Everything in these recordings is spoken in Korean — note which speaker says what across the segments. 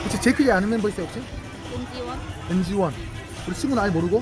Speaker 1: 혹시 제이크에 아는 멤버 있어요 혹시?
Speaker 2: 은지원?
Speaker 1: NG1 우리 친구는 아예 모르고?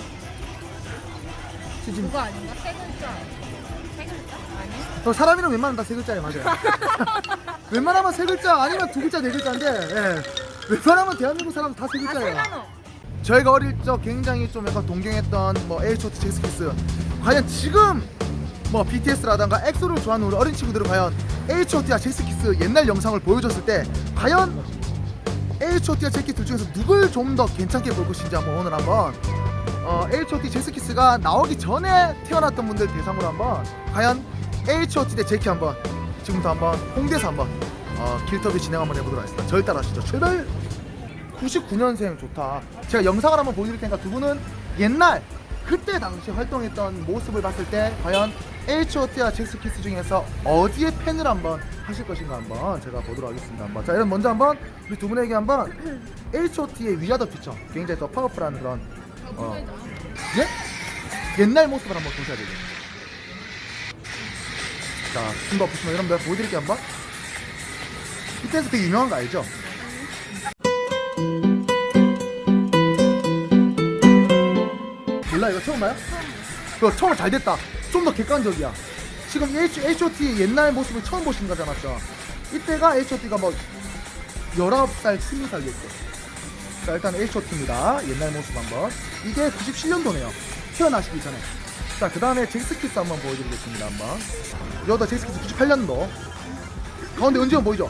Speaker 1: 지금
Speaker 2: 그거 아닌가? 세 글자. 세 글자? 아니?
Speaker 1: 사람이랑 웬만하면 다 세 글자예요. 맞아요. 웬만하면 세 글자 아니면 두 글자 네 글자인데 예. 웬만하면 대한민국 사람 다 세
Speaker 2: 아,
Speaker 1: 글자예요.
Speaker 2: 세나노.
Speaker 1: 저희가 어릴 적 굉장히 좀 약간 동경했던 뭐 H.O.T, 잭스키스 과연 지금 뭐 BTS라던가 엑소를 좋아하는 우리 어린 친구들은 과연 H.O.T와 잭스키스 옛날 영상을 보여줬을 때 과연 H.O.T와 잭스키스 둘 중에서 누굴 좀 더 괜찮게 볼 것인지 한번 오늘 한번 H.O.T 잭스키스가 나오기 전에 태어났던 분들 대상으로 한번 과연 H.O.T 대 제키 한번 지금부터 한번 홍대에서 한번 길터비 진행 한번 해보도록 하겠습니다. 저를 따라하시죠. 출발! 99년생 좋다. 제가 영상을 한번 보여드릴 테니까 두 분은 옛날 그때 당시 활동했던 모습을 봤을 때 과연 H.O.T와 잭스키스 중에서 어디에 팬을 한번 하실 것인가 한번 제가 보도록 하겠습니다. 한번. 자, 여러분 먼저 한번 우리 두 분에게 한번 H.O.T의 위아더 퓨처 굉장히 더 파워풀한 그런 예? 옛날 모습을 한번 보셔야 되죠. 자, 춤도 보시면 여러분들 보여드릴게요 한번. 이때에서 되게 유명한 거 알죠? 몰라 이거 처음 봐요? 그거 처음 잘 됐다. 좀 더 객관적이야. 지금 H.O.T 옛날 모습을 처음 보신 거잖아. 이때가 H.O.T가 뭐 19살, 20살이었대. 자, 일단 H.O.T입니다. 옛날 모습 한번. 이게 97년도네요. 태어나시기 전에. 자, 그 다음에 잭스키스 한번 보여드리겠습니다. 한번. 여기다 잭스키스 98년도. 가운데 은지원 보이죠?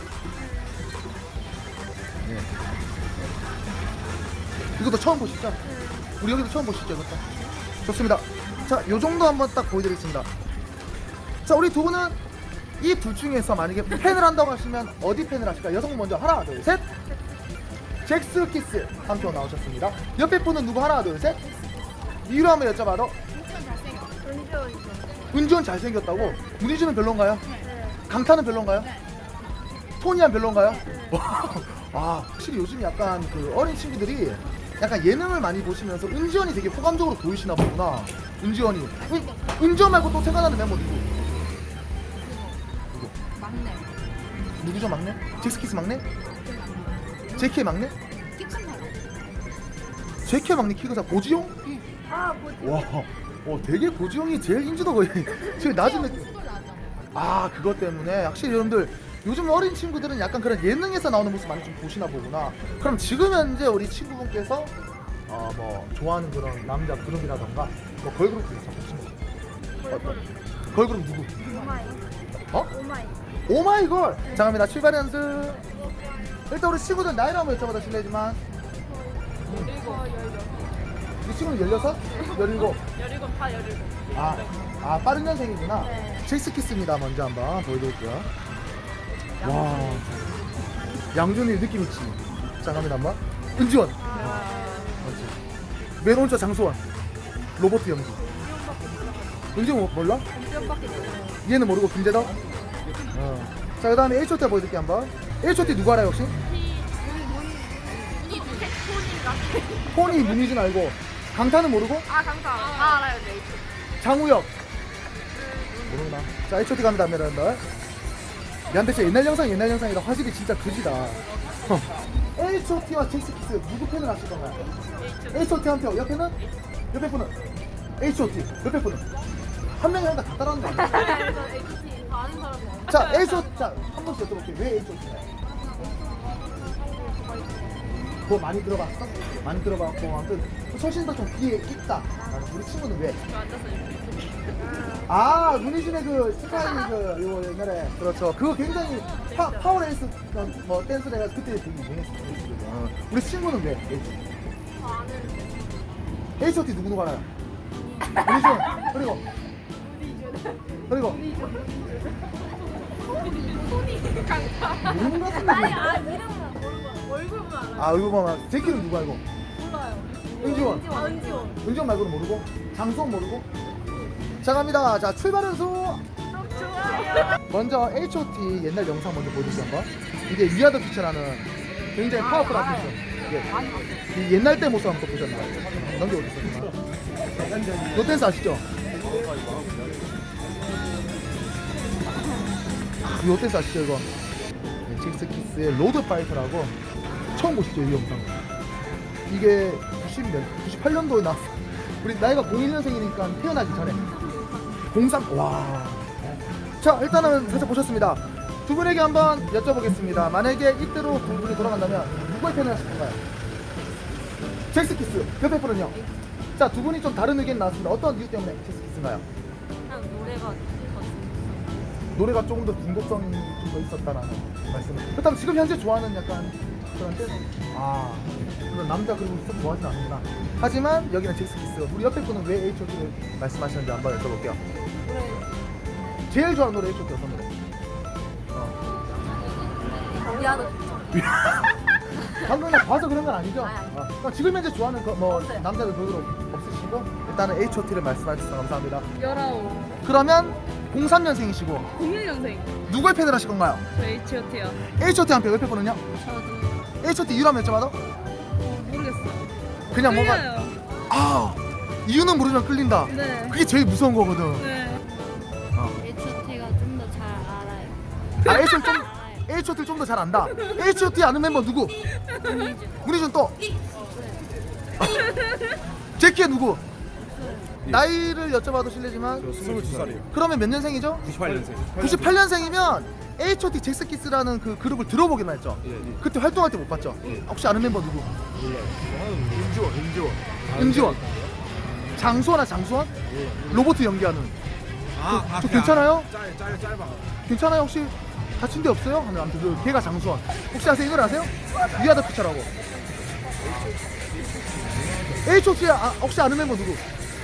Speaker 1: 네. 이것도 처음 보시죠? 우리 여기도 처음 보시죠? 이것도. 좋습니다. 자, 요 정도 한번 딱 보여드리겠습니다. 자, 우리 두 분은 이 둘 중에서 만약에 팬을 한다고 하시면 어디 팬을 하실까요? 여성분 먼저 하나, 둘, 셋. 잭스키스 한 표 나오셨습니다. 옆에 분은 누구? 하나, 둘, 셋. 이유를 한번 여쭤봐도. 은지원 잘생겼다고? 문희준은 별론가요? 강타는 별론가요? 토니안 별론가요? 아, 확실히 요즘 약간 그 어린 친구들이 약간 예능을 많이 보시면서 은지원이 되게 호감적으로 보이시나 보구나. 은지원이. 은지원 말고 또 생각나는 멤버 누구?
Speaker 2: 막내.
Speaker 1: 누구죠 막내? 잭스키스 막내? 제키의 막내?
Speaker 2: 키큰 사람.
Speaker 1: 제키의 막내 키가 고지용?
Speaker 2: 아, 뭐지?
Speaker 1: 와, 되게 고지용이 제일 인지도 거의 제일 낮은 느낌. 아, 그것 때문에 확실히 여러분들 요즘 어린 친구들은 약간 그런 예능에서 나오는 모습 많이 좀 보시나 보구나. 그럼 지금 현재 우리 친구분께서 뭐 좋아하는 그런 남자 그룹이라던가 뭐 걸그룹 중에서 보시는 걸그룹 누구?
Speaker 2: 오마이. 오마이.
Speaker 1: 오마이걸. 자, 갑니다. 출발 연습. 일단 우리 친구들 나이를 한번 여쭤봐도 실례지만 이 친구는 16? 17?
Speaker 2: 17, 다 17.
Speaker 1: 빠른 년생이구나.
Speaker 2: 네.
Speaker 1: 잭스키스입니다. 먼저 한번 보여드릴게요. 와, 양준일 느낌 있지. 자, 갑니다 한번. 은지원. 맞지. 맨 오른쪽 장소원. 로버트 연기. 은지원 몰라?
Speaker 2: 은지원밖에 모르는.
Speaker 1: 얘는 모르고 김재덕. 자, 그다음에 H.O.T 보여드릴게요 한번. H.O.T 누구 알아요 혹시? 토니 문희준 알고. 강타는 모르고?
Speaker 2: 아, 강타. 다 알아요, 네.
Speaker 1: 장우혁. 모르구나. 자, H.O.T 갑니다 여러분들. 미안데 진짜 옛날 영상이라 화질이 진짜 그지다. H.O.T와 잭스키스 누구 팬을 하실 건가요? H.O.T 한 표. 옆에 분은 H.O.T. 옆에 분은 한 명이 하니까 다 따라하는 거 아니야?
Speaker 2: 그래서 HT 다 아는 사람이 없어요.
Speaker 1: 자, H.O.T. 자, 한 번씩 여쭤볼게요. 왜 H.O.T나요? 그거 많이 들어봤어? 많이 들어봤고 아무튼 소신도 좀 뒤에 있다. 우리 친구는 왜? 아, 문희준의 그 스타일 그 요거 옛날에 그렇죠. 그거 굉장히 파워레이스 뭐 댄스 내가 그때 되게 유행했었어요. 우리 친구는 왜? H.O.T 누구 알아요? 문희준. 그리고 모르는 것 같은데.
Speaker 2: 이름은 모르고 얼굴만 알아요.
Speaker 1: 아, 얼굴만. 제키는 누구 알고?
Speaker 2: 몰라요.
Speaker 1: 은지원.
Speaker 2: 은지원.
Speaker 1: 은지원 말고는 모르고? 장수원 모르고? 자, 갑니다. 자, 출발 연수.
Speaker 2: 좋아요.
Speaker 1: 먼저 H.O.T 옛날 영상 먼저 보여주세요 한번. 이게 위아더 퓨처라는 굉장히 파워풀한 퓨처. 이 옛날 때 모습 한번 보셨나요? 넘겨오셨어요. 요 댄스 아시죠? 요 댄스 아시죠 이거? 잭스키스의 로드 파이터라고 처음 보시죠 이 영상. 이게 98년도에 나왔어. 우리 나이가 01년생이니까 태어나기 전에 03. 와. 자 일단은 살짝 보셨습니다. 두 분에게 한번 여쭤보겠습니다. 만약에 이때로 두 분이 돌아간다면 누구의 팬을 하실 건가요? 잭스키스. 옆에 분은요? 자 두 분이 좀 다른 의견 나왔습니다. 어떤 이유 때문에 잭스키스인가요?
Speaker 2: 그냥 노래가 더 재밌어.
Speaker 1: 노래가 조금 더 중독성이 좀 더 있었다라는 말씀을. 그렇다면 지금 현재 좋아하는 약간 그런 댄스? 아, 그런 남자 그룹을 좀 좋아하진 않는구나. 하지만 여기는 잭스키스. 우리 옆에 분은 왜 H.O.T를 말씀하시는지 한번 여쭤볼게요.
Speaker 2: 노래
Speaker 1: 제일 좋아하는 노래 H.O.T 어떤 노래?
Speaker 2: 미아도 좋죠.
Speaker 1: 방금 나 봐서 그런 건 아니죠?
Speaker 2: 아니.
Speaker 1: 그럼 지금 현재 좋아하는 뭐
Speaker 2: 없어요.
Speaker 1: 남자들 별로 없으시고 일단은 H.O.T를 말씀하셔서 감사합니다.
Speaker 3: 19
Speaker 1: 그러면 03년생이시고
Speaker 3: 01년생
Speaker 1: 누구의 팬을 하실 건가요?
Speaker 3: 저 H.O.T요.
Speaker 1: H.O.T 한 표, 옆에 분은요?
Speaker 3: 저도
Speaker 1: H.O.T 이유라면 여쭤봐도?
Speaker 3: 모르겠어요.
Speaker 1: 그냥 뭔가
Speaker 3: 끌려요.
Speaker 1: 아 이유는 모르지만 끌린다.
Speaker 3: 네.
Speaker 1: 그게 제일 무서운 거거든.
Speaker 3: 네.
Speaker 2: H.O.T가 좀 더 잘 알아요.
Speaker 1: 아 H.O.T를 좀 더 잘 안다. H.O.T 아는 멤버 누구? 문희준 또. 제키의 누구? 나이를 여쭤봐도 실례지만
Speaker 4: 22살이에요.
Speaker 1: 그러면 몇 년생이죠?
Speaker 4: 98년생.
Speaker 1: 98년생이면 H.O.T 잭스키스라는 그 그룹을 들어보기만 했죠.
Speaker 4: 예, 예.
Speaker 1: 그때 활동할 때 못 봤죠.
Speaker 4: 예.
Speaker 1: 혹시 아는 멤버 누구?
Speaker 4: 몰라요.
Speaker 1: 임지원. 장수원아 장수원? 로봇 연기하는.
Speaker 4: 아,
Speaker 1: 저 괜찮아요?
Speaker 4: 짧아.
Speaker 1: 괜찮아요? 혹시 다친 데 없어요? 아무튼 그 걔가 장수원. 혹시 아세요? 이걸 아세요? 위아더 피처라고. H.O.T 혹시 아는 멤버 누구?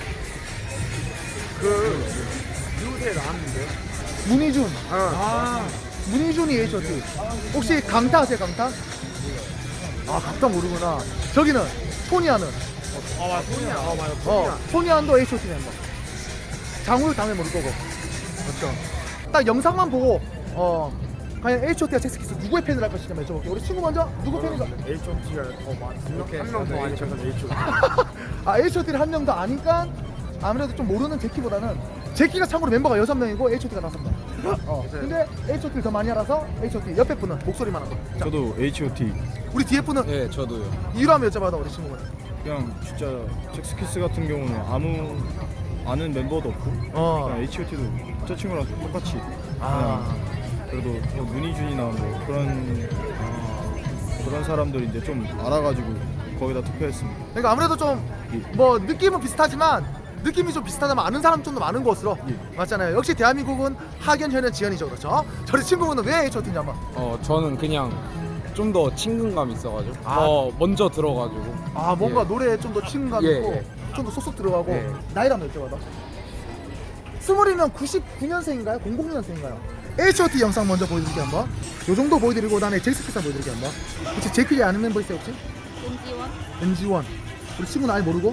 Speaker 4: 그 미우새에 나왔는데.
Speaker 1: 문희준.
Speaker 4: 아,
Speaker 1: 문희준이 H.O.T. 혹시 강타 아세요? 강타? 아 강타 모르구나. 저기는 토니아는.
Speaker 4: 맞아. 소니야. 맞아.
Speaker 1: 토니안도 H.O.T 멤버. 장우를 당연히 모를 거고. 그렇죠. 딱 영상만 보고 과연 H.O.T와 잭스키스 누구의 팬을 할 것인지 한번 여쭤볼게요. 우리 친구 먼저 누구 팬인가?
Speaker 4: H.O.T가 한명 더 아니셔서 H.O.T.
Speaker 1: 아 H.O.T를 한 명 더 아니까 아무래도 좀 모르는 제키보다는 제키가 참고로 멤버가 6명이고 H.O.T가 5명. 근데 H.O.T를 더 많이 알아서 H.O.T 옆에 분은 목소리만 하고. 자,
Speaker 5: 저도 H.O.T.
Speaker 1: 우리 뒤에 분은
Speaker 5: 네, 저도요.
Speaker 1: 이유로 한번 여쭤봐도 우리 친구분.
Speaker 5: 그냥 진짜 잭스키스 같은 경우는 아무 아는 멤버도 없고 그냥 H.O.T도 저 친구랑 똑같이
Speaker 1: 아.
Speaker 5: 그래도 뭐 문희준이나 뭐 그런 사람들이 이제 좀 알아가지고 거기다 투표했습니다.
Speaker 1: 그러니까 아무래도 좀 뭐 느낌은 비슷하지만 느낌이 좀 비슷하다면 아는 사람 좀 더 많은 것으로 맞잖아요. 역시 대한민국은 하견, 현현, 지연이죠, 그렇죠? 저희 친구분은 왜 H.O.T인지 한번.
Speaker 6: 저는 그냥 좀 더 친근감 있어가지고
Speaker 1: 아.
Speaker 6: 더 먼저 들어가지고
Speaker 1: 아 뭔가
Speaker 6: 예.
Speaker 1: 노래에 좀 더 친근감
Speaker 6: 예,
Speaker 1: 있고
Speaker 6: 예.
Speaker 1: 좀 더 쏙쏙 들어가고
Speaker 6: 예.
Speaker 1: 나이를 한번 여쭤봐도. 스물이면 99년생인가요? 00년생인가요? H.O.T 영상 먼저 보여드릴게요 한번. 요 정도 보여드리고 그다음에 잭스키스 보여드릴게요 한번. 혹시 제키리 아는 멤버 있어요 혹시?
Speaker 2: 은지원?
Speaker 1: NG1. 우리 친구는 아예 모르고?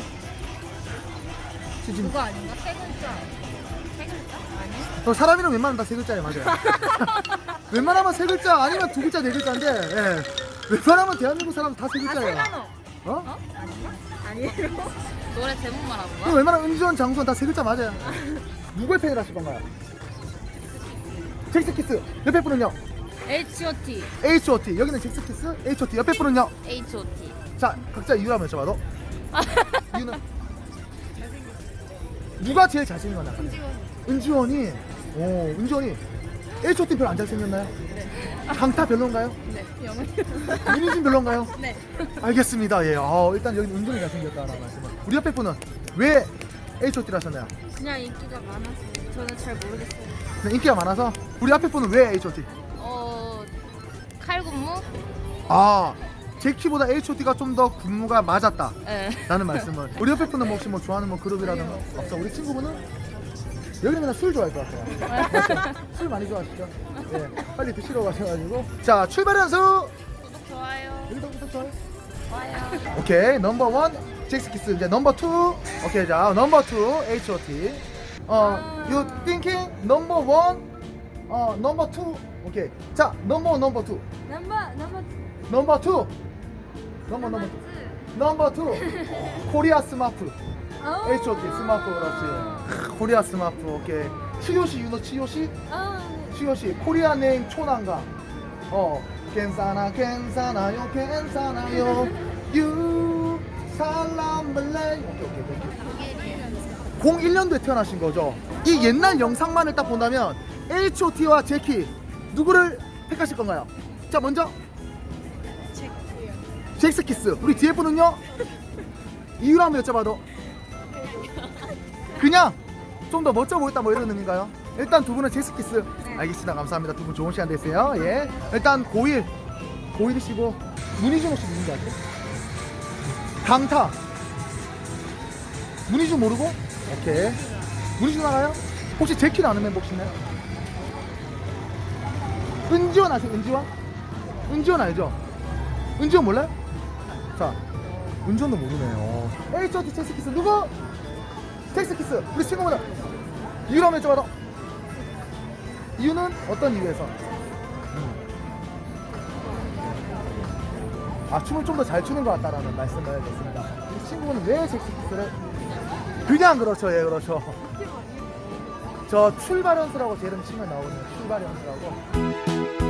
Speaker 1: 지금
Speaker 2: 그거 아닌가? 세 글자. 세 글자? 아니?
Speaker 1: 사람 이름 웬만하면 다 세 글자예요, 맞아요. 웬만하면 세 글자 아니면 두 글자 네 글자인데, 예. 웬만하면 대한민국 사람 다 세 글자예요.
Speaker 2: 세간호.
Speaker 1: 어?
Speaker 2: 아닌가? 아니에요. 노래 제목 말하는
Speaker 1: 그럼
Speaker 2: 거야?
Speaker 1: 웬만하면 은지원, 장수원 다 세 글자 맞아요. 누구의 팬을 하실 건가요? 잭스키스. 옆에 분은요?
Speaker 3: H.O.T.
Speaker 1: H.O.T. 여기는 잭스키스, H.O.T. 옆에 분은요?
Speaker 2: H.O.T.
Speaker 1: 자, 각자 이유 한번 여쭤봐도. 이유는? 누가 제일 잘생긴 거냐? 은지원이. 오, 은지원이. H.O.T. 별로 안 잘생겼나요?
Speaker 3: 네.
Speaker 1: 강타 별론가요?
Speaker 3: 네. 영어.
Speaker 1: 문희준 별론가요?
Speaker 3: 네.
Speaker 1: 알겠습니다. 예. 일단 여기 은근히 잘생겼다라는 말씀을. 우리 옆에 분은 왜 H.O.T를 하셨나요?
Speaker 2: 그냥 인기가 많아서 저는 잘 모르겠어요.
Speaker 1: 네, 인기가 많아서. 우리 앞에 분은 왜 H.O.T?
Speaker 2: 칼군무?
Speaker 1: 아, 제키보다 H.O.T가 좀 더 군무가 맞았다.
Speaker 2: 네.
Speaker 1: 라는 말씀을. 우리 옆에 분은 뭐 혹시 뭐 좋아하는 뭐 그룹이라든가 없어? 우리 친구분은 여기는 그냥 술 좋아할 것 같아요. 맞죠? 술 많이 좋아하시죠? 예. 빨리 드시러 가셔가지고. 자, 출발 연수.
Speaker 2: 구독 좋아요.
Speaker 1: 여기서부터 좋아요.
Speaker 2: 좋아요.
Speaker 1: 오케이, 넘버 1 잭스키스. 이제 넘버 2. 오케이, 자 넘버 2 H.O.T. You thinking 넘버 1 넘버 2. 오케이, 자 넘버 2
Speaker 2: 넘버
Speaker 1: 넘버 2 넘버 2 코리아 스마프. H.O.T. 스마프. 그렇지. 코리아 스마프. 오케이. 치요시 유노 치요시? 치요시 코리아 네임 초난가. 괜찮아요 괜찮아요 유 살람블레. 오케이 01년도에 태어나신 거죠. 이 옛날 영상만을 딱 본다면 H.O.T와 제키 누구를 택하실 건가요? 자 먼저 잭스키스. 우리 뒤에 분은요? 이유를 한번 여쭤봐도 그냥 좀 더 멋져 보였다 뭐 이런 의미인가요? 일단 두 분은 잭스키스. 알겠습니다. 감사합니다. 두 분 좋은 시간 되세요. 예. 일단 고1이시고 문희준 혹시 누군지 아세요? 강타. 문희준 모르고? 오케이. 문희준 알아요? 혹시 제키는 아는 멤버 혹시 있나요? 은지원 아세요? 은지원? 은지원 알죠? 은지원 몰라요? 자, 은지원도 모르네요. H.O.T 잭스키스 누구? 잭스키스. 우리 친구분은 이유를 한번 여쭤봐도 이유는 어떤 이유에서? 아 춤을 좀 더 잘 추는 것 같다라는 말씀을 드렸습니다. 이 친구는 왜 잭스키스를? 그냥 그렇죠, 예 그렇죠. 저 출발 연수라고 제 이름 치면 나오거든요. 출발 연수라고.